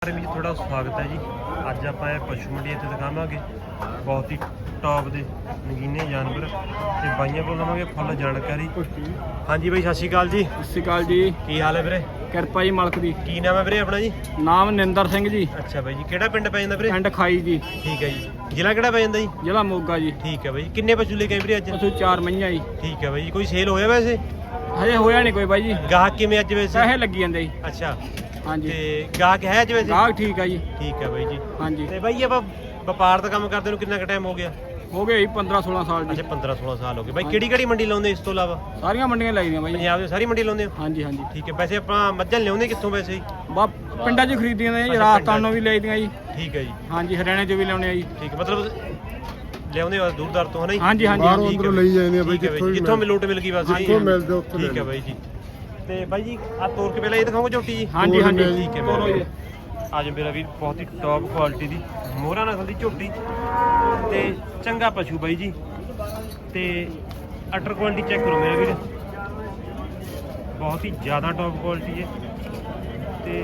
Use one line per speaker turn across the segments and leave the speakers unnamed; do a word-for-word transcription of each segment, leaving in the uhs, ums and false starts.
ਪ੍ਰੇਮੀ ਜੀ ਤੁਹਾਡਾ ਸਵਾਗਤ ਹੈ ਜੀ। ਅੱਜ ਆਪਾਂ ਇਹ ਪਸ਼ੂ ਮੰਡੀ ਇੱਥੇ ਦਿਖਾਵਾਂਗੇ ਬਹੁਤ ਹੀ ਟੌਪ ਦੇ ਨਗੀਨੇ ਜਾਨਵਰ ਤੇ ਬਾਈਆਂ ਕੋਲ ਲਵਾਂਗੇ ਫੁੱਲ ਜਾਣਕਾਰੀ। ਹਾਂਜੀ ਬਾਈ ਸਤਿ ਸ਼੍ਰੀ ਅਕਾਲ ਜੀ।
ਸਤਿ ਸ਼੍ਰੀ ਅਕਾਲ ਜੀ।
ਕੀ ਹਾਲ ਹੈ ਵੀਰੇ?
ਕਿਰਪਾ ਜੀ ਮਾਲਕ ਦੀ।
ਕੀ ਨਾਮ ਹੈ ਵੀਰੇ ਆਪਣਾ ਜੀ?
ਨਾਮ ਨਿੰਦਰ ਸਿੰਘ ਜੀ।
ਅੱਛਾ ਬਾਈ ਜੀ, ਕਿਹੜਾ ਪਿੰਡ ਪੈ ਜਾਂਦਾ ਵੀਰੇ?
ਪਿੰਡ ਖਾਈ ਜੀ।
ਠੀਕ ਹੈ ਜੀ। ਜ਼ਿਲ੍ਹਾ ਕਿਹੜਾ ਪੈ ਜਾਂਦਾ ਜੀ?
ਜ਼ਿਲ੍ਹਾ ਮੋਗਾ ਜੀ।
ਠੀਕ ਹੈ ਬਾਈ ਜੀ। ਕਿੰਨੇ ਪਸ਼ੂ ਲੈ ਕੇ ਆਏ ਵੀਰੇ ਅੱਜ?
ਅਸੀਂ ਚਾਰ ਮਈਆਂ ਜੀ।
ਠੀਕ ਹੈ ਬਾਈ ਜੀ। ਕੋਈ ਸੇਲ ਹੋਇਆ ਵੈਸੇ?
ਹਜੇ ਹੋਇਆ ਨਹੀਂ ਕੋਈ ਬਾਈ ਜੀ।
ਗਾਹਕ ਕਿਵੇਂ ਅੱਜ ਵੈਸੇ?
ਪੈਸੇ ਲੱਗੀ ਜਾਂਦੇ ਜੀ।
ਅੱਛਾ
ਹਾਂਜੀ
ਤੇ ਗਾਹਕ ਹੈ ਅੱਜ ਵੈਸੇ?
ਗਾਹਕ ਠੀਕ ਆ ਜੀ।
ਠੀਕ ਹੈ ਬਾਈ ਜੀ।
ਹਾਂਜੀ
ਤੇ ਬਾਈ ਆਪਾਂ ਵਪਾਰ ਦਾ ਕੰਮ ਕਰਦੇ ਨੂੰ ਕਿੰਨਾ ਕੁ ਟਾਈਮ ਹੋ ਗਿਆ?
ਹੋ ਗਏ ਜੀ ਪੰਦਰਾਂ ਸੋਲਾਂ ਸਾਲ ਜੀ।
ਅੱਛਾ ਪੰਦਰਾਂ ਸੋਲਾਂ ਸਾਲ ਹੋ ਗਏ ਬਾਈ। ਕਿਹੜੀ ਕਿਹੜੀ ਮੰਡੀ ਲਾਉਂਦੇ ਇਸ ਤੋਂ ਇਲਾਵਾ?
ਸਾਰੀਆਂ ਮੰਡੀਆਂ ਲਾਈਆਂ ਬਾਈ ਜੀ।
ਪੰਜਾਬ ਦੀ ਸਾਰੀ ਮੰਡੀ ਲਾਉਂਦੇ ਹੋ?
ਹਾਂਜੀ ਹਾਂਜੀ।
ਠੀਕ ਹੈ। ਵੈਸੇ ਆਪਾਂ ਮੱਝਾਂ ਲਿਆਉਂਦੇ ਕਿੱਥੋਂ ਵੈਸੇ ਜੀ?
ਬਾ ਪਿੰਡਾਂ 'ਚ ਖਰੀਦੀਆਂ ਨੇ ਜੀ।
ਅੱਛਾ,
ਰਾਜਸਥਾਨੋਂ ਵੀ ਲਈਦੀਆਂ ਜੀ।
ਠੀਕ ਹੈ ਜੀ।
ਹਾਂਜੀ ਹਰਿਆਣੇ 'ਚ ਵੀ ਲਿਆਉਣੇ ਆ ਜੀ।
ਠੀਕ ਹੈ, ਮਤਲਬ ਲਿਆਉਂਦੇ ਹੋ ਦੂਰ ਦਰ ਤੋਂ ਹੈ ਨਾ ਜੀ?
ਹਾਂਜੀ ਹਾਂਜੀ
ਬਾਹਰੋਂ
ਹਾਂਜੀ।
ਅੰਦਰੋਂ ਲਈ ਜਾਂਦੇ ਆ ਬਾਈ,
ਠੀਕ ਹੈ
ਜਿੱਥੋਂ
ਜਿੱਥੋਂ ਵੀ ਲੋਟ ਮਿਲ ਗਈ ਬਸ ਜੀ।
ਜਿੱਥੋਂ ਮਿਲਦੇ ਉੱਥੇ
ਠੀਕ ਹੈ ਬਾਈ ਜੀ। ਤੇ ਬਾਈ ਜੀ ਆ ਤੋਰ ਕੇ ਪਹਿਲਾਂ ਇਹ ਦਿਖਾਓਗੇ ਝੋਟੀ ਜੀ?
ਹਾਂਜੀ ਹਾਂਜੀ
ਠੀਕ ਹੈ
ਤੋਰੋ ਜੀ।
ਅੱਜ ਮੇਰਾ ਵੀਰ ਬਹੁਤ ਹੀ ਟੌਪ ਕੁਆਲਿਟੀ ਦੀ ਮੋਹਰਾ ਨਸਲ ਦੀ ਝੋਟੀ ਤੇ ਚੰਗਾ ਪਸ਼ੂ ਬਾਈ ਜੀ। ਤੇ ਅਟਰ ਕੁਆਲਿਟੀ ਚੈੱਕ ਕਰੋ ਮੇਰਾ ਵੀਰ, ਬਹੁਤ ਹੀ ਜ਼ਿਆਦਾ ਟੌਪ ਕੁਆਲਿਟੀ ਹੈ। ਤੇ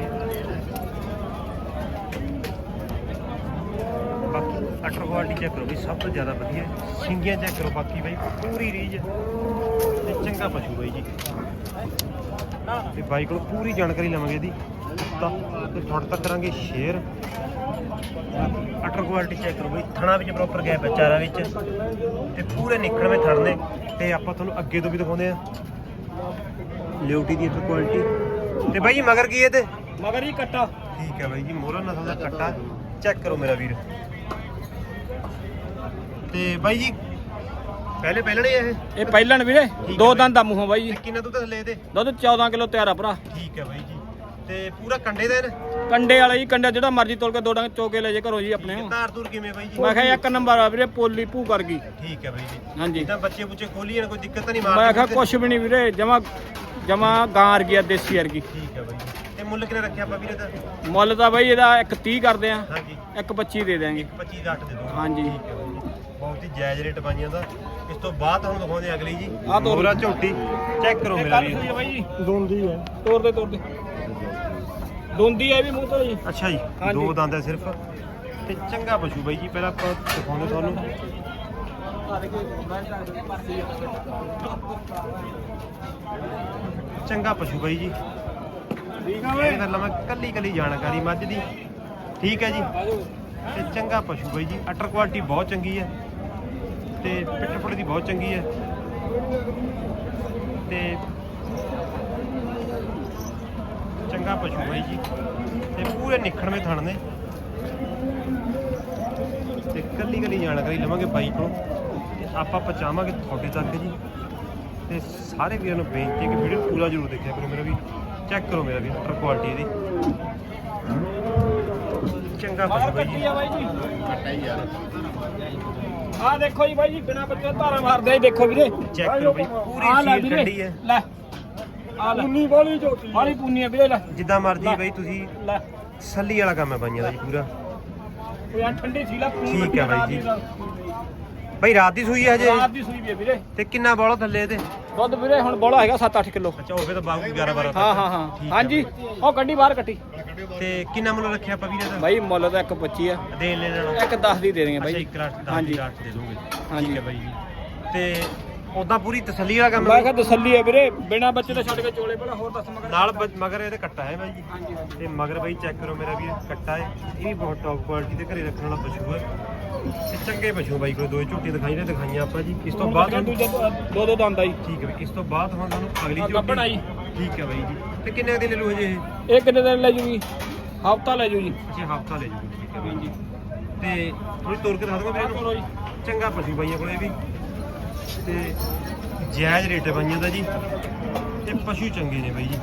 ਬਾਕੀ ਅਟਰ ਕੁਆਲਿਟੀ ਚੈੱਕ ਕਰੋ ਵੀ ਸਭ ਤੋਂ ਜ਼ਿਆਦਾ ਵਧੀਆ ਸਿੰਗੀਆਂ ਚੈੱਕ ਕਰੋ। ਬਾਕੀ ਬਾਈ ਪੂਰੀ ਰੀਝ ਤੇ ਚੰਗਾ ਪਸ਼ੂ ਬਾਈ ਜੀ। ਤੇ ਬਾਈ ਕੋਲ ਪੂਰੀ ਜਾਣਕਾਰੀ ਲਵਾਂਗੇ ਇਹਦੀ ਤਾਂ ਤੇ ਤੁਹਾਡੇ ਤੱਕ ਕਰਾਂਗੇ ਸ਼ੇਅਰ। ਅਟਰ ਕੁਆਲਿਟੀ ਚੈੱਕ ਕਰੋ ਬਈ, ਥਣਾ ਵਿੱਚ ਪ੍ਰੋਪਰ ਗੈਪ ਹੈ ਚਾਰਾਂ ਵਿੱਚ ਤੇ ਪੂਰੇ ਨਿਕਲਵੇਂ ਥਣ ਨੇ। ਤੇ ਆਪਾਂ ਤੁਹਾਨੂੰ ਅੱਗੇ ਤੋਂ ਵੀ ਦਿਖਾਉਂਦੇ ਆ ਲਿਓਟੀ ਦੀ ਅਟਰ ਕੁਆਲਿਟੀ। ਤੇ ਬਾਈ ਜੀ ਮਗਰ ਕੀ ਹੈ ਤੇ?
ਮਗਰ ਹੀ ਕੱਟਾ।
ਠੀਕ ਹੈ ਬਾਈ ਜੀ, ਮੋਹਰਾ ਨਸਲ ਦਾ ਕੱਟਾ ਚੈੱਕ ਕਰੋ ਮੇਰਾ ਵੀਰ। ਤੇ ਬਾਈ ਜੀ ਪਹਿਲੇ ਪਹਿਲਣੇ ਇਹ
ਇਹ ਪਹਿਲਣ ਵੀਰੇ ਦੋ ਦੰਦ ਦਾ ਮੂੰਹੋਂ ਬਾਈ ਜੀ।
ਕਿੰਨਾ ਦੁੱਧ ਥੱਲੇ ਇਹਦੇ?
ਦੁੱਧ ਚੌਦਾਂ ਕਿਲੋ ਤਿਆਰ ਆ ਭਰਾ।
ਠੀਕ ਹੈ ਬਾਈ ਜੀ। ਤੇ ਪੂਰਾ ਕੰਡੇ ਦਾ ਇਹਨੇ?
ਕੰਡੇ ਵਾਲਾ ਜੀ। ਕੰਡਾ ਜਿਹੜਾ ਮਰਜ਼ੀ ਤੋਲ ਕੇ ਦੋ ਡੰਗ ਚੋਕੇ ਲੈ ਜੇ ਘਰੋਂ ਜੀ ਆਪਣੇ।
ਧਾਰ ਧੂਰ ਕਿਵੇਂ ਬਾਈ ਜੀ?
ਮੈਂ ਕਿਹਾ ਇੱਕ ਨੰਬਰ ਆ ਵੀਰੇ, ਪੋਲੀ ਭੂ ਕਰ ਗਈ।
ਠੀਕ ਹੈ ਬਾਈ ਜੀ।
ਹਾਂਜੀ
ਜਿੱਦਾਂ ਬੱਚੇ ਬੁੱਚੇ ਖੋਲੀ ਜਾਣ ਕੋਈ ਦਿੱਕਤ ਤਾਂ ਨਹੀਂ?
ਮੈਂ
ਮਾਰ
ਕਿਹਾ ਕੁਛ ਵੀ ਨਹੀਂ ਵੀਰੇ, ਜਮਾ ਜਮਾ ਗਾਂ ਵਰਗੀ ਆ, ਦੇਸੀ ਵਰਗੀ।
ਠੀਕ ਹੈ ਬਾਈ ਜੀ। ਤੇ ਮੁੱਲ ਕਿੰਨਾ ਰੱਖਿਆ ਆਪਾਂ ਵੀਰੇ ਦਾ?
ਮੁੱਲ ਤਾਂ ਬਾਈ ਇਹਦਾ ਇੱਕ ਤੀਹ ਕਰਦੇ ਆ,
ਹਾਂਜੀ
ਇੱਕ ਪੱਚੀ ਦੇ ਦਿਆਂਗੇ।
ਪੱਚੀ ਦਾ ਅੱਠ ਦੇ ਦੋ।
ਹਾਂਜੀ।
ਠੀਕ ਹੈ ਬਾਈ ਜੀ। ਬਹੁਤ ਹੀ ਜਾਇਜ਼ ਰੇਟ ਪਾਈਆਂ ਦਾ। ਇਸ ਤੋਂ ਬਾਅਦ ਤੁਹਾਨੂੰ ਦਿਖਾਉਂਦੇ ਆ ਅਗਲੀ ਜੀ
ਆਹ ਤੋਰ।
ਮੋਹਰਾ ਝੋਟੀ ਚੈੱਕ ਕਰੋ ਮੇਰਾ ਵੀਰ।
ਬਾਈ ਜੀ
ਦੋਂਦੀ ਹੈ।
ਤੋੜ ਦੇ ਤੋੜ ਦੇ। ਦੋਂਦੀ ਆ ਵੀ ਮੂੰਹ ਤੋਂ ਜੀ।
ਅੱਛਾ ਜੀ,
ਹਾਂਜੀ।
ਦੋ ਦੰਦ ਹੈ ਸਿਰਫ ਤੇ ਚੰਗਾ ਪਸ਼ੂ ਬਾਈ ਜੀ। ਪਹਿਲਾਂ ਆਪਾਂ ਦਿਖਾਉਂਦੇ ਤੁਹਾਨੂੰ ਚੰਗਾ ਪਸ਼ੂ ਬਾਈ ਜੀ।
ਠੀਕ ਆ
ਇਹ ਗੱਲ ਮੈਂ ਕੱਲੀ ਕੱਲੀ ਜਾਣਕਾਰੀ ਮੱਝ ਦੀ। ਠੀਕ ਹੈ ਜੀ। ਤੇ ਚੰਗਾ ਪਸ਼ੂ ਬਾਈ ਜੀ। ਅਟਰ ਕੁਆਲਿਟੀ ਬਹੁਤ ਚੰਗੀ ਹੈ ਤੇ ਪਿੱਠ ਪੁੱਠ ਦੀ ਬਹੁਤ ਚੰਗੀ ਹੈ ਤੇ ਚੰਗਾ ਪਸ਼ੂ ਬਾਈ ਜੀ। ਤੇ ਪੂਰੇ ਨਿਖੜਵੇਂ ਥਣ ਨੇ ਤੇ ਕੱਲੀ ਕੱਲੀ ਜਾਣਕਾਰੀ ਲਵਾਂਗੇ ਬਾਈ ਕੋਲੋਂ ਤੇ ਆਪਾਂ ਪਹੁੰਚਾਵਾਂਗੇ ਤੁਹਾਡੇ ਤੱਕ ਜੀ। ਤੇ ਸਾਰੇ ਵੀਰਾਂ ਨੂੰ ਬੇਨਤੀ ਹੈ ਕਿ ਵੀਡੀਓ ਪੂਰਾ ਜ਼ਰੂਰ ਦੇਖਿਆ ਕਰੋ ਮੇਰਾ ਵੀ। ਚੈੱਕ ਕਰੋ ਮੇਰਾ ਵੀ ਅਟਰ ਕੁਆਲਿਟੀ ਇਹਦੀ। ਚੰਗਾ ਪਸ਼ੂ ਬਾਈ ਜੀ।
ਆ ਬਾਈ ਜੀ ਕੱਟਾ ਹੀ ਯਾਰ। ਆ ਦੇਖੋ ਜੀ ਬਾਈ ਜੀ, ਬਿਨਾ ਬੱਚੇ ਧਾਰਾ ਮਾਰਦੇ ਆ। ਦੇਖੋ ਵੀਰੇ
ਚੈੱਕ ਕਰੋ ਬਾਈ, ਪੂਰੀ
ਆਹ ਲੈ
ਸੀਲ
ਵੀਰੇ,
ਠੰਡੀ ਹੈ।
ਲੈ ਆ ਲੈ
ਉਨੀ ਵਾਲੀ ਝੋਟੀ
ਵਾਲੀ ਪੂਨੀ ਆ ਵੀਰੇ। ਲੈ
ਜਿੱਦਾਂ ਮਰਜ਼ੀ ਬਾਈ ਤੁਸੀਂ
ਲੈ
ਸੱਲੀ ਵਾਲਾ ਕੰਮ ਹੈ ਬਾਈਆਂ ਦਾ ਜੀ ਪੂਰਾ।
ਉਹ ਯਾਰ ਠੰਡੀ ਸੀ ਲਾ ਪੂਨੀ।
ਠੀਕ ਹੈ ਬਾਈ ਜੀ। ਬਾਈ ਰਾਤ ਦੀ ਸੂਈ ਹੈ ਹਜੇ?
ਰਾਤ ਦੀ ਸੂਈ ਵੀ ਹੈ ਵੀਰੇ।
ਤੇ ਕਿੰਨਾ ਬੋਲਾ ਥੱਲੇ ਇਹਦੇ?
ਦੁੱਧ ਵੀਰੇ ਹੁਣ ਬੋਲਾ ਹੈਗਾ ਸੱਤ ਅੱਠ ਕਿਲੋ।
ਅੱਛਾ ਹੋਵੇ ਤਾਂ ਬਾਬੂ ਗਿਆਰਾਂ ਬਾਰਾਂ ਤੱਕ।
ਹਾਂ ਹਾਂ ਹਾਂ
ਠੀਕ ਹੈ
ਹਾਂਜੀ। ਉਹ ਗੱਡੀ ਬਾਹਰ ਕੱਟੀ।
ਤੇ ਕਿੰਨਾ ਮੁੱਲ ਰੱਖਿਆ ਆਪਾਂ ਵੀਰੇ ਦਾ?
ਬਾਈ ਮੁੱਲ ਤਾਂ ਇੱਕ ਪੱਚੀ ਆ,
ਦੇਣ ਲੈਣ ਵਾਲਾ
ਇੱਕ ਦਸ ਦੀ ਦੇ ਦੇਂਗੇ
ਅੱਛਾ
ਬਾਈ।
ਇੱਕ ਲੱਖ ਦਸ
ਹਾਂਜੀ।
ਲੱਖ ਦੇ ਦੋਗੇ।
ਹਾਂਜੀ।
ਠੀਕ ਹੈ ਬਾਈ ਜੀ। ਤੇ ਉਦਾਂ ਪੂਰੀ ਤਸੱਲੀ ਵਾਲਾ ਕੰਮ
ਮੈਂ
ਹੈ
ਕਿਹਾ ਤਸੱਲੀ ਹੈ ਵੀਰੇ, ਬਿਨਾ ਬੱਚੇ ਤੋਂ ਛੱਡ ਕੇ ਚੋਲੇ ਭਲਾ ਹੋਰ ਦੱਸ ਮਗਰ।
ਨਾਲ ਬ- ਮਗਰ ਇਹਦੇ ਕੱਟਾ ਹੈ ਬਾਈ ਜੀ।
ਹਾਂਜੀ ਹਾਂਜੀ।
ਤੇ ਮਗਰ ਬਾਈ ਚੈੱਕ ਕਰੋ ਮੇਰਾ ਵੀਰ, ਕੱਟਾ ਹੈ। ਇਹ ਵੀ ਬਹੁਤ ਟੌਪ ਕੁਆਲਿਟੀ ਦੇ ਘਰੇ ਰੱਖਣ ਵਾਲਾ ਪਸ਼ੂ ਹੈ ਤੇ ਚੰਗੇ ਪਸ਼ੂ ਬਾਈ ਕੋਲ। ਦੋ ਝੋਟੀਆਂ ਦਿਖਾਈ ਨੇ ਦਿਖਾਈਆਂ ਆਪਾਂ ਜੀ। ਇਸ ਤੋਂ ਬਾਅਦ ਤੁਹਾਨੂੰ-
ਦੂਜਾ ਦੋ ਦੋ ਦੰਦ ਆਈ।
ਠੀਕ ਹੈ ਬਾਈ। ਇਸ ਤੋਂ ਬਾਅਦ ਹੁਣ ਤੁਹਾਨੂੰ ਅਗਲੀ
ਆਹ
ਝੋਟੀ
ਗੱਭਣ ਆਈ।
ਠੀਕ ਹੈ ਬਾਈ ਜੀ। ਤੇ ਕਿੰਨੇ ਦਿਨ ਲੈ ਲੂ ਹਜੇ ਇਹ?
ਇਹ ਕਿੰਨੇ ਦਿਨ ਲੈ ਜੂਗੀ? ਹਫਤਾ ਲੈ ਜੂ ਜੀ।
ਅੱਛਾ ਹਫਤਾ ਲੈ ਜੂਗੀ। ਠੀਕ ਹੈ ਬਾਈ
ਹਾਂਜੀ।
ਤੇ ਥੋੜੀ ਤੋਰ ਕੇ ਦਿਖਾ ਦਵਾਂ ਵੀਰੇ
ਤੋਰੋ ਜੀ।
ਨੂੰ। ਚੰਗਾ ਪਸ਼ੂ ਬਾਈਆਂ ਕੋਲੇ ਵੀ ਤੇ ਜਾਇਜ਼ ਰੇਟ ਹੈ ਬਾਈਆਂ ਦਾ ਜੀ। ਤੇ ਪਸ਼ੂ ਚੰਗੇ ਨੇ ਬਾਈ ਜੀ।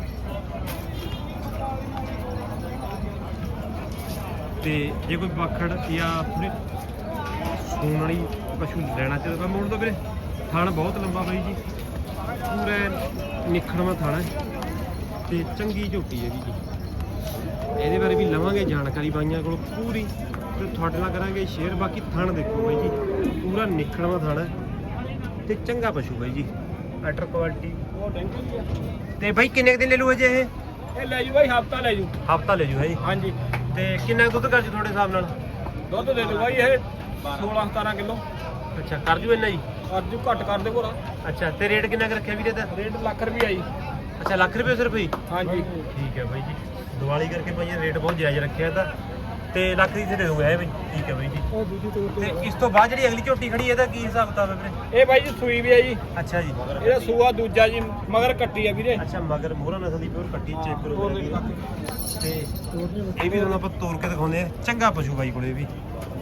ਤੇ ਜੇ ਕੋਈ ਬਾਖੜ ਜਾਂ ਥੋੜੀ ਸੂਣ ਵਾਲੀ ਪਸ਼ੂ ਲੈਣਾ ਚਾਹੀਦਾ ਤਾਂ ਮੋੜ ਦੋ ਵੀਰੇ। ਥਣ ਬਹੁਤ ਲੰਬਾ ਬਾਈ ਜੀ, ਪੂਰਾ ਨਿਖੜਵਾਂ ਥਣ ਹੈ ਤੇ ਚੰਗੀ ਝੋਟੀ ਹੈ ਜੀ। ਇਹਦੇ ਬਾਰੇ ਵੀ ਲਵਾਂਗੇ ਜਾਣਕਾਰੀ ਬਾਈਆਂ ਕੋਲ ਪੂਰੀ ਤੇ ਤੁਹਾਡੇ ਨਾਲ ਕਰਾਂਗੇ ਸ਼ੇਅਰ। ਬਾਕੀ ਥਣ ਦੇਖੋ ਬਾਈ ਜੀ, ਪੂਰਾ ਨਿਖੜਵਾਂ ਥਣ ਹੈ ਤੇ ਚੰਗਾ ਪਸ਼ੂ ਬਾਈ ਜੀ। ਅਟਰ ਕੁਆਲਿਟੀ ਤੇ ਬਾਈ ਕਿੰਨੇ ਦਿਨ ਲੈ ਲੂ ਅਜੇ ਇਹ?
ਇਹ ਲੈ ਜੂ ਬਾਈ ਹਫਤਾ ਲੈ ਜੂ
ਹਫਤਾ ਲੈ ਜੂ ਹੈ ਜੀ।
ਹਾਂਜੀ
ਤੇ ਕਿੰਨਾ ਕੁ ਦੁੱਧ ਕਰ ਜੂ ਤੁਹਾਡੇ ਹਿਸਾਬ ਨਾਲ?
ਦੁੱਧ ਦੇ ਦਿਓ ਬਾਈ ਇਹ ਸੋਲਾਂ ਸਤਾਰਾਂ ਕਿਲੋ।
ਅੱਛਾ ਕਰ ਜੂ ਇੰਨਾ ਜੀ?
ਅੱਜ ਘੱਟ ਕਰ ਦੇ ਭੋਰਾ।
ਅੱਛਾ ਤੇ ਰੇਟ ਕਿੰਨਾ ਕੁ ਰੱਖਿਆ ਵੀਰੇ ਦਾ?
ਰੇਟ ਲੱਖ ਰੁਪਈਆ ਜੀ।
ਅੱਛਾ ਲੱਖ ਰੁਪਏ ਸਿਰਫ ਹੀ?
ਹਾਂਜੀ
ਠੀਕ ਹੈ ਬਾਈ ਜੀ, ਦੀਵਾਲੀ ਕਰਕੇ ਭਾਈ ਰੇਟ ਬਹੁਤ ਜਾਇਜ਼ ਰੱਖਿਆ ਇਹਦਾ ਤੇ ਲੱਖ ਦੀ ਦੇ ਦੋਗੇ ਹੈ ਬਾਈ। ਠੀਕ ਹੈ ਬਾਈ ਜੀ।
ਉਹ ਦੂਜੀ ਤੋਰ
ਤੇ ਇਸ ਤੋਂ ਬਾਅਦ ਜਿਹੜੀ ਅਗਲੀ ਝੋਟੀ ਖੜੀ ਇਹਦਾ ਕੀ ਹਿਸਾਬ ਕਿਤਾਬ ਹੈ ਵੀਰੇ?
ਇਹ ਬਾਈ ਜੀ ਸੂਈ ਵੀ ਹੈ ਜੀ।
ਅੱਛਾ ਜੀ।
ਇਹਦਾ ਸੂਆ ਦੂਜਾ ਜੀ ਮਗਰ ਕੱਟੀ ਆ ਵੀਰੇ।
ਅੱਛਾ ਮਗਰ ਮੋਹਰਾ ਨਸਲ ਦੀ ਪਿਓਰ ਕੱਟੀ ਚੈੱਕ ਕਰੋ ਵੀਰੇ। ਤੇ ਇਹ ਵੀ ਤੁਹਾਨੂੰ ਆਪਾਂ ਤੋੜ ਕੇ ਦਿਖਾਉਂਦੇ ਆ। ਚੰਗਾ ਪਸ਼ੂ ਬਾਈ ਕੋਲੇ ਵੀ।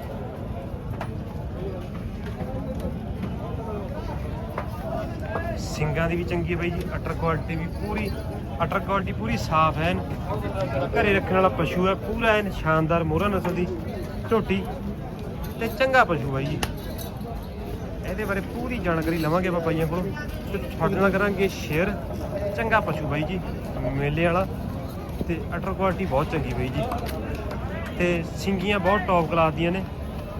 ਸਿੰਗਾਂ ਦੀ ਵੀ ਚੰਗੀ ਹੈ ਬਾਈ ਜੀ, ਅਟਰ ਕੁਆਲਿਟੀ ਵੀ ਪੂਰੀ, ਅਟਰ ਕੁਆਲਿਟੀ ਪੂਰੀ ਸਾਫ਼ ਹੈ। ਘਰੇ ਰੱਖਣ ਵਾਲਾ ਪਸ਼ੂ ਹੈ ਪੂਰਾ ਐਨ ਸ਼ਾਨਦਾਰ ਮੋਹਰਾ ਨਸਲ ਦੀ ਝੋਟੀ ਤੇ ਚੰਗਾ ਪਸ਼ੂ ਬਾਈ ਜੀ। ਇਹਦੇ ਬਾਰੇ ਪੂਰੀ ਜਾਣਕਾਰੀ ਲਵਾਂਗੇ ਆਪਾਂ ਬਾਈਆਂ ਕੋਲੋਂ ਤੇ ਤੁਹਾਡੇ ਨਾਲ ਕਰਾਂਗੇ ਸ਼ੇਅਰ। ਚੰਗਾ ਪਸ਼ੂ ਬਾਈ ਜੀ ਮੇਲੇ ਵਾਲਾ ਤੇ ਅਟਰ ਕੁਆਲਿਟੀ ਬਹੁਤ ਚੰਗੀ ਬਾਈ ਜੀ ਤੇ ਸਿੰਗੀਆਂ ਬਹੁਤ ਟੌਪ ਕਲਾਸ ਦੀਆਂ ਨੇ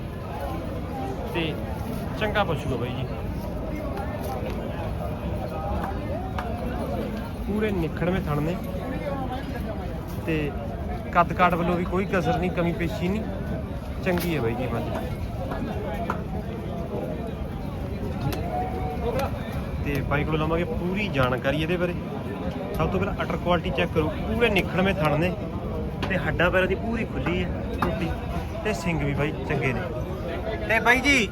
ਤੇ ਚੰਗਾ ਪਸ਼ੂ ਹੈ ਬਾਈ ਜੀ। ਪੂਰੇ ਨਿਖੜਵੇਂ ਥਣ ਨੇ ਤੇ ਕੱਦ ਕਾਠ ਵੱਲੋਂ ਵੀ ਕੋਈ ਕਸਰ ਨਹੀਂ, ਕਮੀ ਪੇਸ਼ੀ ਨਹੀਂ, ਚੰਗੀ ਹੈ ਬਾਈ ਜੀ ਮੱਝ। ਤੇ ਬਾਈ ਕੋਲ ਲਵਾਂਗੇ ਪੂਰੀ ਜਾਣਕਾਰੀ ਇਹਦੇ ਬਾਰੇ। ਸਭ ਤੋਂ ਪਹਿਲਾਂ ਅਟਰ ਕੁਆਲਿਟੀ ਚੈੱਕ ਕਰੋ, ਪੂਰੇ ਨਿਖੜਵੇਂ ਥਣ ਨੇ ਤੇ ਹੱਡਾਂ ਪੈਰਾਂ ਦੀ ਪੂਰੀ ਖੁੱਲੀ ਹੈ ਝੋਟੀ ਤੇ ਸਿੰਗ ਵੀ ਬਾਈ ਚੰਗੇ ਨੇ। ਤੇ ਬਾਈ ਜੀ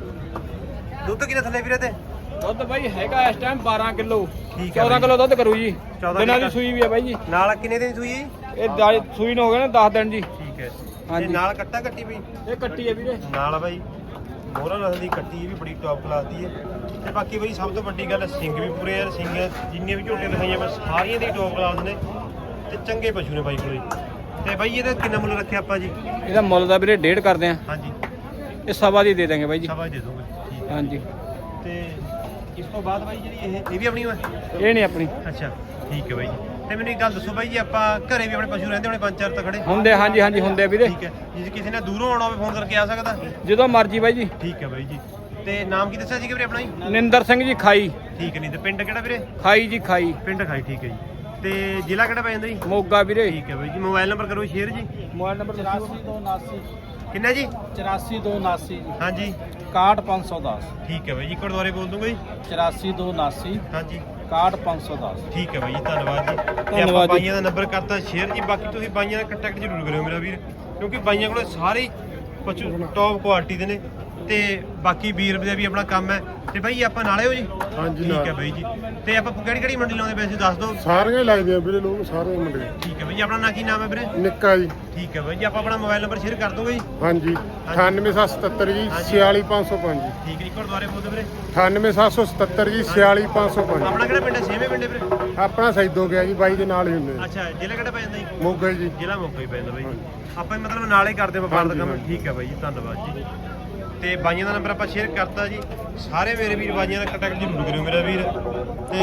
ਦੁੱਧ ਕਿੰਨੇ ਥੱਲੇ ਵੀਰੇ ਤੇ?
ਦੁੱਧ ਬਾਈ ਹੈਗਾ ਇਸ ਟਾਈਮ ਬਾਰਾਂ ਕਿਲੋ।
ਠੀਕ ਹੈ
ਚੌਦਾਂ ਕਿਲੋ ਦੁੱਧ ਕਰੂ ਜੀ।
ਚੌਦਾਂ
ਦਿਨਾਂ ਦੀ
ਕਿਲੋ।
ਸੂਈ ਵੀ ਹੈ ਬਾਈ ਜੀ।
ਨਾਲ ਕਿੰਨੇ ਦਿਨ ਸੂਈ?
ਇਹ ਦ- ਸੂਈ ਨੂੰ ਹੋ ਗਏ ਨੇ ਦਸ ਦਿਨ ਜੀ।
ਠੀਕ ਹੈ।
ਹਾਂਜੀ।
ਤੇ ਨਾਲ ਕੱਟਾ ਕੱਟੀ ਬਈ?
ਇਹ ਕੱਟੀ ਹੈ ਵੀਰੇ।
ਨਾਲ ਬਾਈ ਮੋਹਰਾ ਨਸਲ ਦੀ ਕੱਟੀ, ਇਹ ਵੀ ਬੜੀ ਟੌਪ ਕਲਾਸ ਦੀ ਹੈ। ਤੇ ਬਾਕੀ ਬਾਈ ਸਭ ਤੋਂ ਵੱਡੀ ਗੱਲ ਸਿੰਘ ਵੀ ਪੂਰੇ ਯਾਰ, ਸਿੰਘ ਜਿੰਨੀਆਂ ਵੀ ਝੋਟੀਆਂ ਦਿਖਾਈਆਂ ਬਸ ਸਾਰੀਆਂ ਦੀ ਟੌਪ ਕਲਾਸ ਨੇ ਤੇ ਚੰਗੇ ਪਸ਼ੂ ਨੇ ਬਾਈ ਕੋਲੇ। ਤੇ ਬਾਈ ਇਹਦਾ ਕਿੰਨਾ ਮੁੱਲ ਰੱਖਿਆ ਆਪਾਂ ਜੀ?
ਇਹਦਾ ਮੁੱਲ ਦਾ ਵੀਰੇ ਡੇਢ ਕਰਦੇ ਆ।
ਹਾਂਜੀ
ਇਹ ਸਵਾ ਦੀ ਦੇ ਦਾਂਗੇ ਬਾਈ ਜੀ।
ਸਭਾ ਦੇ ਦੋਗੇ? ਠੀਕ ਹੈ।
ਹਾਂਜੀ
ਤੇ ਇਸ ਤੋਂ ਬਾਅਦ ਬਾਈ ਜਿਹੜੀ ਇਹ ਇਹ ਵੀ ਆਪਣੀ ਹੋਏ?
ਇਹ ਨਹੀਂ ਆਪਣੀ
ਅੱਛਾ ਠੀਕ ਹੈ ਬਾਈ ਜੀ। ਤੇ ਮੈਨੂੰ ਇੱਕ ਗੱਲ ਦੱਸੋ ਬਾਈ ਜੀ, ਆਪਾਂ ਘਰੇ ਵੀ ਆਪਣੇ ਪਸ਼ੂ ਰਹਿੰਦੇ ਹੋਣੇ ਪੰਜ ਚਾਰ ਤਾਂ ਖੜੇ?
ਹੁੰਦੇ ਹਾਂਜੀ ਹਾਂਜੀ ਹੁੰਦੇ ਆ ਵੀਰੇ।
ਠੀਕ ਹੈ। ਜੇ ਕਿਸੇ ਨੇ ਦੂਰੋਂ ਆਉਣਾ ਹੋਵੇ ਫੋਨ ਕਰਕੇ ਆ ਸਕਦਾ?
ਜਦੋਂ ਮਰਜੀ ਬਾਈ ਜੀ।
ਠੀਕ ਹੈ ਬਾਈ ਜੀ। ਤੇ ਨਾਮ ਕੀ ਦੱਸਿਆ ਸੀਗਾ ਵੀਰੇ ਆਪਣਾ ਜੀ?
ਨਿੰਦਰ ਸਿੰਘ ਜੀ ਖਾਈ।
ਠੀਕ ਹੈ। ਨਹੀਂ ਤੇ ਪਿੰਡ ਕਿਹੜਾ ਵੀਰੇ?
ਖਾਈ ਜੀ ਖਾਈ।
ਪਿੰਡ ਖਾਈ। ਠੀਕ ਹੈ ਜੀ। ਤੇ ਜ਼ਿਲ੍ਹਾ ਕਿਹੜਾ ਪੈ ਜਾਂਦਾ ਜੀ?
ਮੋਗਾ ਵੀਰੇ।
ਠੀਕ ਹੈ ਬਾਈ ਜੀ। ਮੋਬਾਈਲ ਨੰਬਰ ਕਰੋ ਸ਼ੇਅਰ ਜੀ।
ਮੋਬਾਈਲ ਨੰਬਰ ਚੁਰਾਸੀ ਦੋ ਉਨਾਸੀ
ਕਿੰਨਾ ਜੀ?
ਚੁਰਾਸੀ ਦੋ ਉਨਾਸੀ ਜੀ
ਹਾਂਜੀ
ਇਕਾਹਠ ਪੰਜ ਸੌ ਦਸ।
ਠੀਕ ਹੈ ਬਾਈ ਜੀ। ਇੱਕ ਵਾਰ ਦੁਬਾਰੇ ਬੋਲ ਦੂੰਗਾ ਜੀ।
ਚੁਰਾਸੀ ਦੋ ਉਨਾਸੀ
ਹਾਂਜੀ
ਇਕਾਹਠ ਪੰਜ ਸੌ ਦਸ।
ਠੀਕ ਹੈ ਬਾਈ ਜੀ, ਧੰਨਵਾਦ ਜੀ। ਤੇ ਆਪਾਂ
ਧੰਨਵਾਦ ਜੀ।
ਬਾਈਆਂ ਦਾ ਨੰਬਰ ਕਰਤਾ ਸ਼ੇਅਰ ਜੀ। ਬਾਕੀ ਤੁਸੀਂ ਬਾਈਆਂ ਨਾਲ ਕੰਟੈਕਟ ਜ਼ਰੂਰ ਕਰਿਓ ਮੇਰਾ ਵੀਰ, ਕਿਉਂਕਿ ਬਾਈਆਂ ਕੋਲੇ ਸਾਰੇ ਪਸ਼ੂ ਟੌਪ ਕੁਆਲਿਟੀ ਦੇ ਨੇ ਤੇ ਬਾਕੀ ਵੀਰ ਦਾ ਵੀ ਆਪਣਾ ਕੰਮ ਹੈ। ਤੇ ਬਾਈ ਆਪਾਂ ਨਾਲੇ ਹੋ ਜੀ?
ਹਾਂਜੀ
ਠੀਕ ਹੈ ਬਾਈ ਜੀ। ਤੇ ਆਪਾਂ ਕਿਹੜੀ ਕਿਹੜੀ ਮੰਡੀ ਲਾਉਂਦੇ ਵੈਸੇ ਦੱਸ ਦਿਓ।
ਸਾਰੀਆਂ ਹੀ ਲੱਗਦੇ ਆ ਵੀਰੇ, ਲੋਕ ਸਾਰੇ ਮੁੰਡੇ।
ਠੀਕ ਹੈ ਬਾਈ ਜੀ। ਆਪਣਾ ਨਾਂ ਕੀ ਨਾਮ ਹੈ ਵੀਰੇ?
ਨਿੱਕਾ ਜੀ।
ਠੀਕ ਹੈ ਬਾਈ ਜੀ। ਆਪਾਂ ਆਪਣਾ ਮੋਬਾਈਲ ਨੰਬਰ ਸ਼ੇਅਰ ਕਰ ਦੋਗੇ ਜੀ?
ਹਾਂਜੀ ਅਠਾਨਵੇਂ ਸੱਤ ਸਤੱਤਰ ਜੀ ਛਿਆਲੀ ਪੰਜ ਸੌ ਪੰਜ ਜੀ।
ਠੀਕ ਹੈ ਜੀ। ਇੱਕ ਵਾਰ ਦੁਬਾਰੇ ਬੋਲ ਦਿਓ ਵੀਰੇ।
ਅਠਾਨਵੇਂ ਸੱਤ ਸੌ ਸਤੱਤਰ ਜੀ ਛਿਆਲੀ ਪੰਜ ਸੌ ਪੰਜ।
ਆਪਣਾ ਕਿਹੜਾ ਪਿੰਡ ਹੈ? ਛੇਵੇਂ ਪਿੰਡ ਹੈ ਵੀਰੇ?
ਆਪਣਾ ਸੈਦੋ ਗਿਆ ਜੀ, ਬਾਈ ਦੇ ਨਾਲ ਹੀ ਹੁੰਦੇ ਆ।
ਅੱਛਾ ਜ਼ਿਲ੍ਹਾ ਕਿਹੜਾ ਪੈ ਜਾਂਦਾ ਜੀ?
ਮੋਗਾ ਜੀ।
ਜ਼ਿਲ੍ਹਾ ਮੋਗਾ ਹੀ ਪੈ ਜਾਂਦਾ ਬਾਈ। ਆਪਾਂ ਹੀ ਮਤਲਬ ਨਾਲੇ ਕਰਦੇ ਵਪਾਰ ਦਾ
ਹਾਂਜੀ,
ਕੰਮ।
ਹਾਂਜੀ।
ਠੀਕ ਹੈ ਬਾਈ ਜੀ, ਧੰਨਵਾਦ ਜੀ। ਤੇ ਬਾਈਆਂ ਦਾ ਨੰਬਰ ਆਪਾਂ ਸ਼ੇਅਰ ਕਰਤਾ ਜੀ। ਸਾਰੇ ਮੇਰੇ ਵੀਰ ਬਾਈਆਂ ਦਾ ਕੰਟੈਕਟ ਜ਼ਰੂਰ ਕਰਿਓ ਮੇਰਾ ਵੀਰ। ਤੇ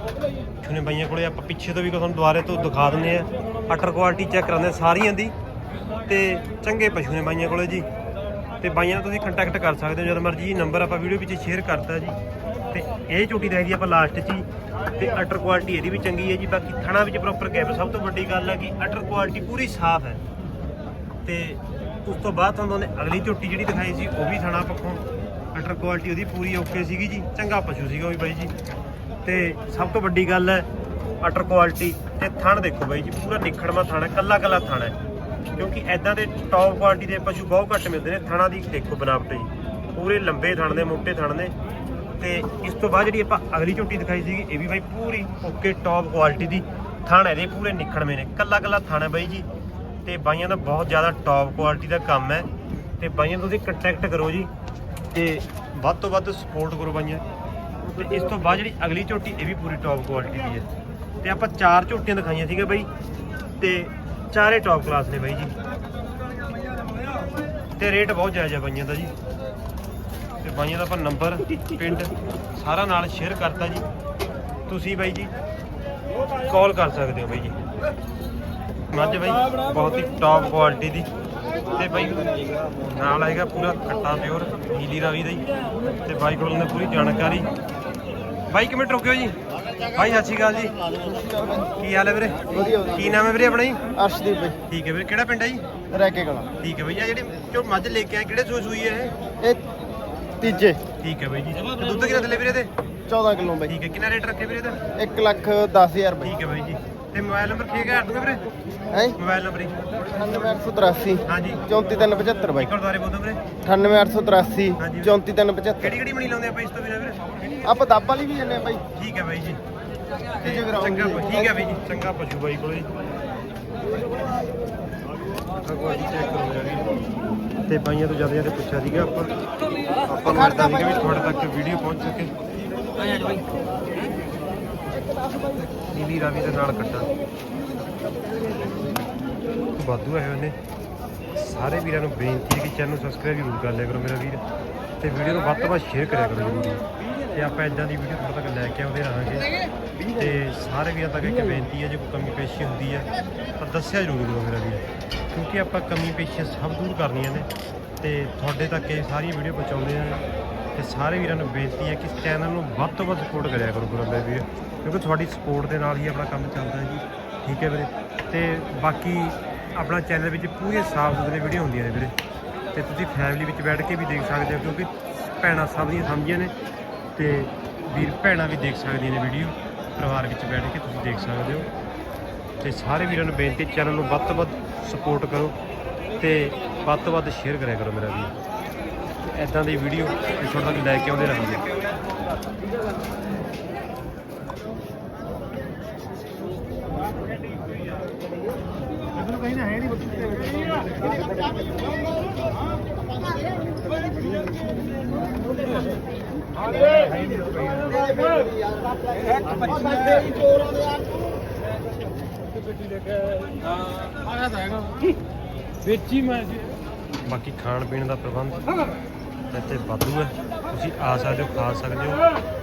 ਛੁਨੇ ਬਾਈਆਂ ਕੋਲੇ ਆਪਾਂ ਪਿੱਛੇ ਤੋਂ ਵੀ ਤੁਹਾਨੂੰ ਦੁਬਾਰੇ ਤੋਂ ਦਿਖਾ ਦਿੰਦੇ ਆ। ਅਟਰ ਕੁਆਲਿਟੀ ਚੈੱਕ ਕਰਾਉਂਦੇ ਸਾਰੀਆਂ ਦੀ ਤੇ ਚੰਗੇ ਪਸ਼ੂ ਨੇ ਬਾਈਆਂ ਕੋਲੇ ਜੀ। ਤੇ ਬਾਈਆਂ ਨਾਲ ਤੁਸੀਂ ਕੰਟੈਕਟ ਕਰ ਸਕਦੇ ਹੋ ਜਦ ਮਰਜ਼ੀ ਜੀ। ਨੰਬਰ ਆਪਾਂ ਵੀਡੀਓ ਵਿੱਚ ਸ਼ੇਅਰ ਕਰਤਾ ਜੀ। ਤੇ ਇਹ ਝੋਟੀ ਦੇਖਦੀ ਆਪਾਂ ਲਾਸਟ 'ਚ ਹੀ। ਤੇ ਅਟਰ ਕੁਆਲਿਟੀ ਇਹਦੀ ਵੀ ਚੰਗੀ ਹੈ ਜੀ। ਬਾਕੀ ਥਣਾ ਵਿੱਚ ਪ੍ਰੋਪਰ ਗੈਪ। ਸਭ ਤੋਂ ਵੱਡੀ ਗੱਲ ਹੈ ਕਿ ਅਟਰ ਕੁਆਲਿਟੀ ਪੂਰੀ ਸਾਫ਼ ਹੈ। ਤੇ ਉਸ ਤੋਂ ਬਾਅਦ ਤੁਹਾਨੂੰ ਉਹਨੇ ਅਗਲੀ ਝੋਟੀ ਜਿਹੜੀ ਦਿਖਾਈ ਸੀ ਉਹ ਵੀ ਥਣਾ ਪੱਖੋਂ ਅਟਰ ਕੁਆਲਿਟੀ ਉਹਦੀ ਪੂਰੀ ਓਕੇ ਸੀਗੀ ਜੀ। ਚੰਗਾ ਪਸ਼ੂ ਸੀਗਾ ਉਹ ਵੀ ਬਾਈ ਜੀ। ਤੇ ਸਭ ਤੋਂ ਵੱਡੀ ਗੱਲ ਹੈ ਅਟਰ ਕੁਆਲਿਟੀ ਤੇ ਥਣ ਦੇਖੋ ਬਾਈ ਜੀ, ਪੂਰਾ ਨਿਖੜਵਾ ਥਣ ਹੈ, ਕੱਲਾ ਕੱਲਾ ਥਣ ਹੈ। ਕਿਉਂਕਿ ਐਦਾਂ ਦੇ ਟੌਪ ਕੁਆਲਿਟੀ ਦੇ ਪਸ਼ੂ ਬਹੁਤ ਘੱਟ ਮਿਲਦੇ ਨੇ। ਥਣਾ ਦੀ ਦੇਖੋ ਬਨਾਵਟ ਜੀ, ਪੂਰੇ ਲੰਬੇ ਥਣ ਨੇ, ਮੋਟੇ ਥਣ ਨੇ। ਤੇ ਇਸ ਤੋਂ ਬਾਅਦ ਜਿਹੜੀ ਆਪਾਂ ਅਗਲੀ ਝੋਟੀ ਦਿਖਾਈ ਸੀਗੀ ਇਹ ਵੀ ਬਾਈ ਪੂਰੀ ਓਕੇ ਟੌਪ ਕੁਆਲਿਟੀ ਦੀ। ਥਣ ਇਹਦੇ ਪੂਰੇ ਨਿਖੜਵੇਂ ਨੇ, ਕੱਲਾ ਕੱਲਾ ਥਣ ਹੈ ਬਾਈ ਜੀ। ਤੇ ਬਾਈਆਂ ਦਾ ਬਹੁਤ ਜ਼ਿਆਦਾ ਟੌਪ ਕੁਆਲਿਟੀ ਦਾ ਕੰਮ ਹੈ। ਤੇ ਬਾਈਆਂ ਤੁਸੀਂ ਕੰਟੈਕਟ ਕਰੋ ਜੀ ਤੇ ਵੱਧ ਤੋਂ ਵੱਧ ਸਪੋਰਟ ਕਰੋ ਬਾਈਆਂ। ਤੇ ਇਸ ਤੋਂ ਬਾਅਦ ਜਿਹੜੀ ਅਗਲੀ ਝੋਟੀ ਇਹ ਵੀ ਪੂਰੀ ਟੌਪ ਕੁਆਲਿਟੀ ਦੀ ਹੈ। ਤੇ ਆਪਾਂ ਚਾਰ ਝੋਟੀਆਂ ਦਿਖਾਈਆਂ ਸੀਗਾ ਬਾਈ ਤੇ ਚਾਰੇ ਟੌਪ ਕਲਾਸ ਨੇ ਬਾਈ ਜੀ। ਤੇ ਰੇਟ ਬਹੁਤ ਜਾਇਜ਼ ਹੈ ਬਾਈਆਂ ਦਾ ਜੀ। ਤੇ ਬਾਈਆਂ ਦਾ ਆਪਾਂ ਨੰਬਰ ਪਿੰਡ ਸਾਰਾ ਨਾਲ ਸ਼ੇਅਰ ਕਰਤਾ ਜੀ। ਤੁਸੀਂ ਬਾਈ ਜੀ ਕਾਲ ਕਰ ਸਕਦੇ ਹੋ ਬਾਈ ਜੀ। ਮੱਝ ਬਾਈ ਬਹੁਤ ਹੀ ਟੌਪ ਕੁਆਲਿਟੀ ਦੀ। ਤੇ ਬਾਈ ਨਾਲ ਆਏਗਾ ਪੂਰਾ ਕੱਟਾ ਪਿਓਰ ਨੀਲੀ ਰਾਵੀ ਦਾ ਹੀ। ਤੇ ਬਾਈ ਕੋਲ ਨੇ ਪੂਰੀ ਜਾਣਕਾਰੀ ਬਾਈ ਕਿਵੇਂ ਰੁਕਿਓ ਜੀ ਬਾਈ ਸਤਿ ਸ਼੍ਰੀ ਅਕਾਲ ਜੀ ਕੀ ਹਾਲ ਹੈ ਵੀਰੇ ਕੀ ਨਾਮ ਹੈ ਵੀਰੇ ਆਪਣਾ ਜੀ
ਅਰਸ਼ਦੀਪ ਬਾਈ
ਠੀਕ ਹੈ ਵੀਰੇ ਕਿਹੜਾ ਪਿੰਡ ਹੈ ਜੀ
ਰੈਕੇ ਕਲਾ
ਠੀਕ ਹੈ ਬਾਈ ਆ ਜਿਹੜੀ ਜੋ ਮੱਝ ਲੈ ਕੇ ਆਏ ਕਿਹੜੇ ਸੂਈ ਸੂਈ ਹੈ ਇਹ
ਇਹ ਤੀਜੇ
ਠੀਕ ਹੈ ਬਾਈ ਜੀ ਤੇ ਦੁੱਧ ਕਿੰਨਾ ਥੱਲੇ ਵੀਰੇ ਤੇ
ਚੌਦਾਂ ਕਿਲੋ ਬਾਈ
ਠੀਕ ਹੈ ਕਿੰਨਾ ਰੇਟ ਰੱਖੇ ਵੀਰੇ ਦਾ
ਇੱਕ ਲੱਖ ਦਸ ਹਜ਼ਾਰ ਬਾਈ
ਠੀਕ ਹੈ ਬਾਈ ਜੀ ਤੇ ਮੋਬਾਈਲ ਨੰਬਰ ਠੀਕ ਹੈ ਕਰ ਦੂੰਗਾ ਵੀਰੇ
ਹੈ
ਮੋਬਾਈਲ ਨੰਬਰ ਜੀ
ਅਠਾਨਵੇਂ ਅੱਠ ਸੌ ਤਰਾਸੀ
ਹਾਂਜੀ
ਚੌਂਤੀ ਤਿੰਨ ਪਝੱਤਰ ਬਾਈ
ਇੱਕ ਵਾਰ ਦੁਬਾਰੇ ਬੋਲ ਦਿਓ ਵੀਰੇ
ਅਠਾਨਵੇਂ ਅੱਠ ਸੌ ਤਰਾਸੀ
ਹਾਂਜੀ।
ਚੌਂਤੀ ਤਿੰਨ ਪਝੱਤਰ
ਕਿਹੜੀ ਕਿਹੜੀ ਮਣੀ ਲਾਉਂਦੇ ਆਪਾਂ ਇਸ ਤੋਂ ਬਿਨਾਂ ਵੀਰੇ
ਆਪਾਂ ਦੱਬ ਵਾਲੀ ਵੀ ਜੰਨੇ ਬਾਈ
ਠੀਕ ਹੈ ਬਾਈ ਜੀ
ਤੇ ਜਗਰਾਉਂ
ਚੰਗਾ
ਦੀ।
ਠੀਕ ਹੈ ਬਾਈ ਜੀ ਚੰਗਾ ਪਸ਼ੂ ਬਾਈ ਕੋਲੇ ਕੁਆਲਿਟੀ ਚੈੱਕ ਕਰੋ ਜੀ ਤੇ ਬਾਈਆਂ ਤੋਂ ਜਿਆਦਾ ਜਿਆਦਾ ਪੁੱਛਿਆ ਸੀਗਾ ਆਪਾਂ ਆਪਾਂ ਨੂੰ ਲੱਗਦਾ ਸੀਗਾ ਵੀ ਤੁਹਾਡੇ ਤੱਕ ਵੀਡੀਓ ਪਹੁੰਚ ਸਕੇ ਨੀਲੀ ਰਾਵੀ ਦੇ ਨਾਲ ਕੱਟਾ ਵਾਧੂ ਆਏ ਹੋਏ ਨੇ ਸਾਰੇ ਵੀਰਾਂ ਨੂੰ ਬੇਨਤੀ ਹੈ ਕਿ ਚੈਨਲ ਨੂੰ ਸਬਸਕ੍ਰਾਈਬ ਜ਼ਰੂਰ ਕਰ ਲਿਆ ਕਰੋ ਮੇਰਾ ਵੀਰ ਤੇ ਵੀਡੀਓ ਨੂੰ ਵੱਧ ਤੋਂ ਵੱਧ ਸ਼ੇਅਰ ਕਰਿਆ ਕਰੋ ਜ਼ਰੂਰ ਤੇ ਆਪਾਂ ਇਦਾਂ ਦੀ ਵੀਡੀਓ ਤੁਹਾਡੇ ਤੱਕ ਲੈ ਕੇ ਆਉਂਦੇ ਰਹਾਂਗੇ ਤੇ ਸਾਰੇ ਵੀਰਾਂ ਤੱਕ ਇੱਕ ਬੇਨਤੀ ਹੈ ਜੇ ਕੋਈ ਕਮੀ ਪੇਸ਼ੀ ਹੁੰਦੀ ਹੈ ਤਾਂ ਦੱਸਿਆ ਜ਼ਰੂਰ ਕਰੋ ਮੇਰਾ ਵੀਰ ਕਿਉਂਕਿ ਆਪਾਂ ਕਮੀ ਪੇਸ਼ੀਆਂ ਸਭ ਦੂਰ ਕਰਨੀਆਂ ਨੇ ਤੇ ਤੁਹਾਡੇ ਤੱਕ ਇਹ ਸਾਰੀਆਂ ਵੀਡੀਓ ਪਹੁੰਚਾਉਂਦੇ ਆ ਤੇ ਸਾਰੇ ਵੀਰਾਂ ਨੂੰ ਬੇਨਤੀ ਹੈ ਕਿ ਇਸ ਚੈਨਲ ਨੂੰ ਵੱਧ ਤੋਂ ਵੱਧ ਸਪੋਰਟ ਕਰਿਆ ਕਰੋ ਕਰੋ ਮੇਰੇ ਵੀਰ ਕਿਉਂਕਿ ਤੁਹਾਡੀ ਸਪੋਰਟ ਦੇ ਨਾਲ ਹੀ ਆਪਣਾ ਕੰਮ ਚੱਲਦਾ ਹੈ ਜੀ ਠੀਕ ਹੈ ਵੀਰੇ ਤੇ ਬਾਕੀ ਆਪਣਾ ਚੈਨਲ ਵਿੱਚ ਪੂਰੀਆਂ ਸਾਫ ਸੁਥਰੀ ਵੀਡੀਓ ਹੁੰਦੀਆਂ ਨੇ ਵੀਰੇ ਤੇ ਤੁਸੀਂ ਫੈਮਿਲੀ ਵਿੱਚ ਬੈਠ ਕੇ ਵੀ ਦੇਖ ਸਕਦੇ ਹੋ ਕਿਉਂਕਿ ਭੈਣਾਂ ਸਭ ਦੀਆਂ ਸਮਝੀਆਂ ਨੇ ਤੇ ਵੀਰ ਭੈਣਾਂ ਵੀ ਦੇਖ ਸਕਦੀਆਂ ਨੇ ਵੀਡੀਓ ਪਰਿਵਾਰ ਵਿੱਚ ਬੈਠ ਕੇ ਤੁਸੀਂ ਦੇਖ ਸਕਦੇ ਹੋ ਤੇ ਸਾਰੇ ਵੀਰਾਂ ਨੂੰ ਬੇਨਤੀ ਚੈਨਲ ਨੂੰ ਵੱਧ ਤੋਂ ਵੱਧ ਸਪੋਰਟ ਕਰੋ ਤੇ ਵੱਧ ਤੋਂ ਵੱਧ ਸ਼ੇਅਰ ਕਰਿਆ ਕਰੋ ਮੇਰਾ ਵੀਰ ਇੱਦਾਂ ਦੀ ਵੀਡੀਓ ਤੁਹਾਡੇ ਤੱਕ ਲੈ ਕੇ ਆਉਂਦੇ ਰਹਾਂਗੇ
ਵੇਚੀ ਮੈਂ
ਬਾਕੀ ਖਾਣ ਪੀਣ ਦਾ ਪ੍ਰਬੰਧ ਇੱਥੇ ਵਾਧੂ ਹੈ ਤੁਸੀਂ ਆ ਸਕਦੇ ਹੋ ਖਾ ਸਕਦੇ ਹੋ